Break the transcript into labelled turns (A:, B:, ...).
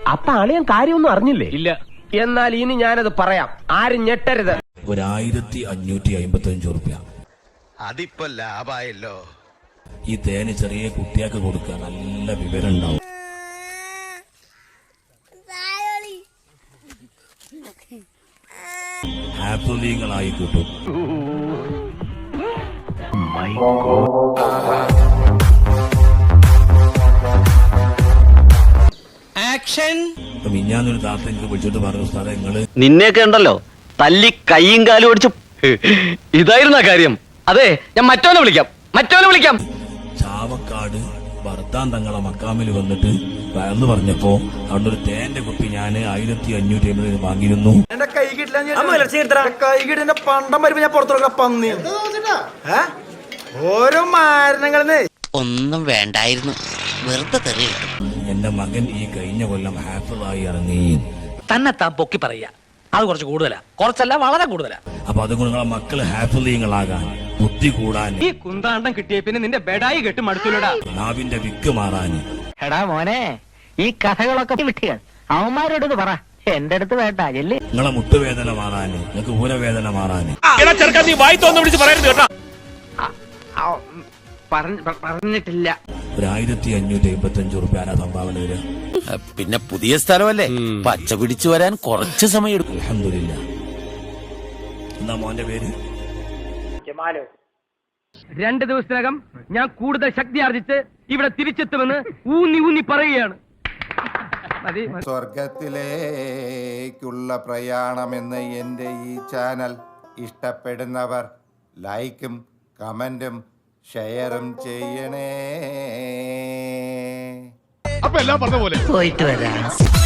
A: അപ്പൊ അളിയൻ കാര്യമൊന്നും അറിഞ്ഞില്ലേ? ഇല്ല. എന്നാൽ ഇനി ഞാനത് പറയാം, ആരും ഞെട്ടരുത്.
B: 1555 റുപ്യ.
C: അതിപ്പോ ലാഭായല്ലോ.
B: ഈ തേന് ചെറിയ കുട്ടിയാക്ക് കൊടുക്കുക, നല്ല വിവരം ഉണ്ടാവും. ഹാപ്പിങ്ങളായി കിട്ടും. മിഞ്ഞാന്നൊരു താത്ത എനിക്ക് വിളിച്ചിട്ട് പറഞ്ഞു, സാറേ നിങ്ങള്
D: നിന്നെയൊക്കെ ഉണ്ടല്ലോ തല്ലി കൈയും കാലും ഓടിച്ചു. ഇതായിരുന്ന കാര്യം. അതെ, ഞാൻ മറ്റോനെ വിളിക്കാം.
B: ചാവക്കാട് ഭർത്താൻ തങ്ങളെ മക്കാമിൽ വന്നിട്ട് വയർന്നു പറഞ്ഞപ്പോ അവിടെ ഒരു തേന്റെ കുപ്പി ഞാൻ 1550 വാങ്ങിയിരുന്നു.
E: എന്റെ കൈ കിട്ടില്ല, കൈ കിട്ടിന്റെ പണ്ടം വരുമ്പോ ഞാൻ പുറത്തോക്കെ പന്നി ഓരോ മാരണങ്ങളെന്ന്
F: ഒന്നും വേണ്ടായിരുന്നു, വെറുതെ തെറി കിട്ടും.
B: എന്റെ മകൻ ഈ കഴിഞ്ഞ കൊല്ലം ഹാഫിളായി ഇറങ്ങി.
G: തന്നെ താൻ പൊക്കി പറയാ, അത് കുറച്ച് കൂടുതലാ. കുറച്ചല്ല, വളരെ കൂടുതലാ.
B: അപ്പൊ അതുകൊണ്ട് നിങ്ങളെ മക്കള് ഹാഫിളീങ്ങളാകാൻ, ബുദ്ധി കൂടാൻ,
A: ഈ കുന്താണ്ടം കിട്ടിയ പിന്നെ നിന്റെ ബെഡായി കെട്ട് മടുത്തില്ലടാ.
B: നാവിന്റെ വിക്ക് മാറാന്.
G: എടാ മോനെ, ഈ കഥകളൊക്കെ വിട്ടുകൾ അവന്മാരോട് പറ, എന്റെ അടുത്ത് വേണ്ട.
B: നിങ്ങളെ മുട്ടുവേദന മാറാന്, നിങ്ങൾക്ക് ഊരവേദന മാറാന്.
A: പറഞ്ഞിട്ടില്ല.
B: 1555 റുപ്യ സംഭാവന വരിക.
F: പിന്നെ പുതിയ സ്ഥലമല്ലേ, പച്ച പിടിച്ചു വരാൻ കുറച്ച് സമയം എടുക്കും.
B: അൽഹംദുലില്ലാ. എന്താ മോന്റെ പേര്?
A: 2 ദിവസത്തിനകം ഞാൻ കൂടുതൽ ശക്തി ആർജിച്ച് ഇവിടെ തിരിച്ചെത്തുമെന്ന് ഊന്നി പറയുകയാണ്.
H: സ്വർഗത്തിലേക്കുള്ള പ്രയാണമെന്ന് എൻ്റെ ഈ ചാനൽ ഇഷ്ടപ്പെടുന്നവർ ലൈക്കും കമന്റും ഷെയറും ചെയ്യണേ.
C: അപ്പൊ എല്ലാം പറഞ്ഞ പോലെ
G: പോയിട്ട് വരാം.